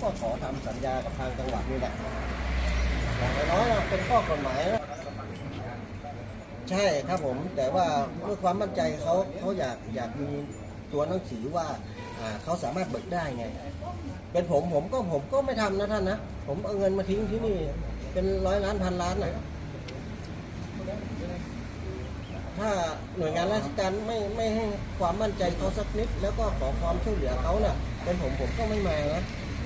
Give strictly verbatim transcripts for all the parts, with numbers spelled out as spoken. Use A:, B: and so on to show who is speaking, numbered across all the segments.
A: ก็ขอทำสัญญากับทางจังหวัดนี่แหละอย่างน้อยๆเป็นข้อกฎหมายนะใช่ครับผมแต่ว่าเพื่อความมั่นใจเขาเขาอยากอยากมีตัวหนังสือว่าอ่าเขาสามารถเบิกได้ไงเป็นผมผมก็ผมก็ไม่ทำนะท่านนะผมเอาเงินมาทิ้งที่นี่เป็นร้อยล้านพันล้านนะถ้าหน่วยงานราชการไม่ไม่ให้ความมั่นใจเขาสักนิดแล้วก็ขอความช่วยเหลือเขาเนี่ยเป็นผมผมก็ไม่มานะ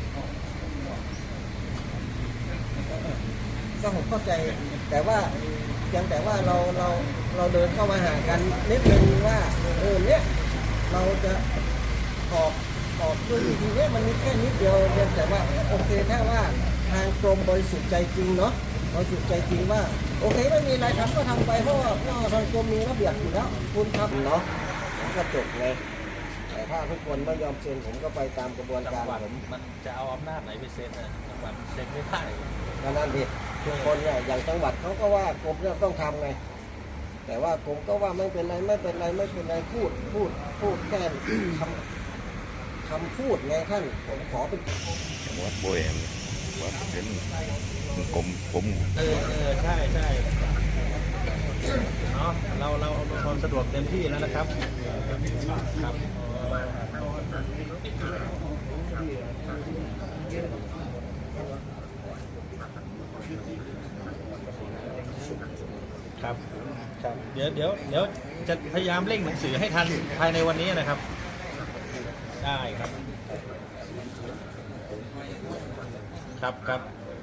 A: ก็ผมเข้าใจแต่ว่าเพียงแต่ว่าเราเราเราเดินเข้ามาหากันนิดนึงว่าเออเนี้ยเราจะออกออกด้วยวิธีนี้มันมีแค่นิดเดียวเพียงแต่ว่าโอเคถ้าว่าทางกรมบริสุทธิ์ใจจริงเนาะบริสุทธิ์ใจจริงว่าโอเคไม่มีอะไรทำก็ทำไปเพราะว่าทางกรมมีระเบียบอยู่แล้วคุณทำเนาะก็จบเลยแต่ถ้าทุกคนไม่ยอมเซ็นผมก็ไปตามกระบวนการผม
B: มันจะเอาอำนาจไหนไปเซ็นอ่ะจังหวัดเซ็นไม่ได้
A: ก็นั่นดิทุกคนเนี่ยอย่างจังหวัดเขาก็ว่ากรมเนี่ยต้องทำไงแต่ว่าผมก็ว่าไม่เป็นไรไม่เป็นไรไม่เป็นไรพูดพูดพูดแค่คำคำพูดไงท่านผมขอเป็น
C: วัดโบยวัดเป็นกรมผม
B: เออเออใช่ใช่เนาะเราเราเอาความสะดวกเต็มที่แล้วนะครับครับครับครับเดี๋ยวเดี๋ยวเดี๋ยวจะพยายามเร่งหนังสือให้ทันภายในวันนี้นะครับได้ครับครับครับ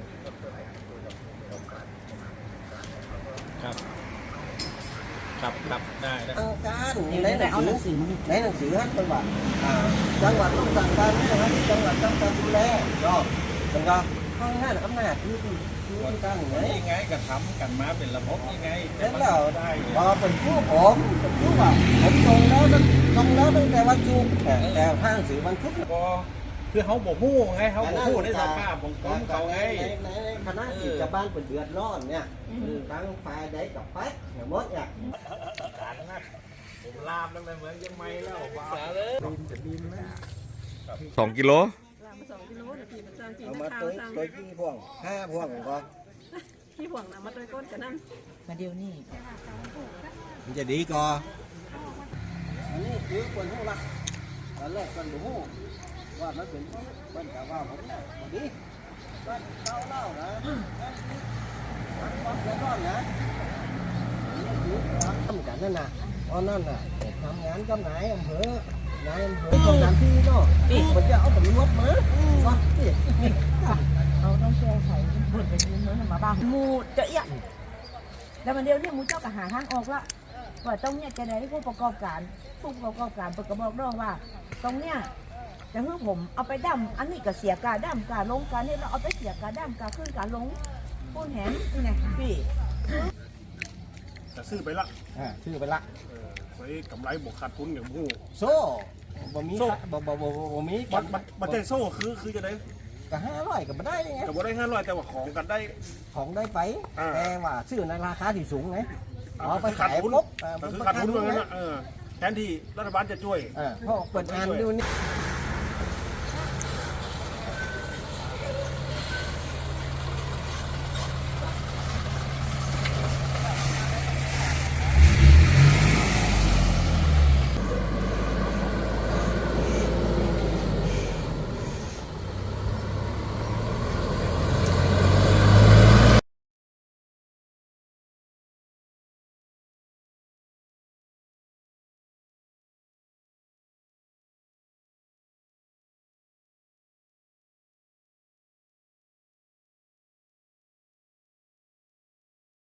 B: ครับครับครับได้ได้
A: ทางการในหนังสือในหนังสือให้จังหวัดจังหวัดต้องสั่งการให้นะจังหวัดต้องการดูแลก็เป็นก็ข้างหน้าอำนาจที่ที่ที่ตั้งไง
B: ยังไงกระทำกันมาเป็นระบบยังไง
A: แล้วได้พอเป็นผู้ผมเป็นผู้ว่าผมส่งแล้วส่งแล้วตั้งแต่วันศุกร์แต่ทางสื่อวันพุธ
B: ก็คือเขาบอกมู่ไงเขาบอกมู่ในสภาพของกรมเขาไง
A: ในคณะกิจบ้านเป็นเดือดร้อนเนี่ยตั้งไฟได้กับแป๊กอย่างมดเนี่ย
B: การนะผมลามตั้งแต่เหมือนยังไม่แล้วบ้าเลยจะบินไหม
C: สองกิโล
D: สองกิโลนาทีมันสร้างจีน
A: เอามา
D: ข้า
A: ตัว ว
D: สร้าง
A: ตัวขี้พ่วงห้าพ่วงก่อน
D: ขี้ห่วงนะมาตัวก้นกันนั่นมาเดียวนี่
A: มันจะดีก่อนอันนี้คือคนหูละตอนแรกคนหูว่ามันเป็นเป็นกะว่าผมเนี่ยพอดีก็เล่าเล่านะมันความเดือดร้อนนะนี่คือทำกันนั่นน่ะตอนนั้นน่ะทำงานกับนายอำเภอนายอำเภอของน้ำที่เนาะมันจะเอาตำรวจมาว่า
D: เราต้องแก้ไขบทไปยืนเนื้อมาบ้างมูจะเอียแล้วมันเดียวเนี่ยมูเจ้าก็หาทางออกละว่าตรงเนี้ยจะได้ผู้ประกอบการผู้ประกอบการประกอบน้องว่าตรงเนี้ยจะให้ผมเอาไปดั้มอันนี้ก็เสียการดั้มการลงการนี่เราเอาไปเสียการดั้มการขึ้นการลงพูดแหนนี่ไงพี่
E: จะซื้อไปละ
A: อ่าซื้อไปละ
E: ไว้กำไรบวกขาดทุนอย่างผู้
A: โซ่บ่มีบ่บ่บ่บ่มี
E: บัตรบัตรใจโซ่คือคือจะได้
A: ก็ห้าร้อยก็ไม่ได้ไง
E: แต่ว่าได้ห้าร้อยแต่ว่าของกันได้
A: ของได้ไปแต่ว่าซื้อในราคาที่สูงไง
E: อ๋อไปขาดทุนคือขาดทุนเหมือนกันนะแทนที่รัฐบาลจะช่วย
A: เพราะเปิดงานดูนี่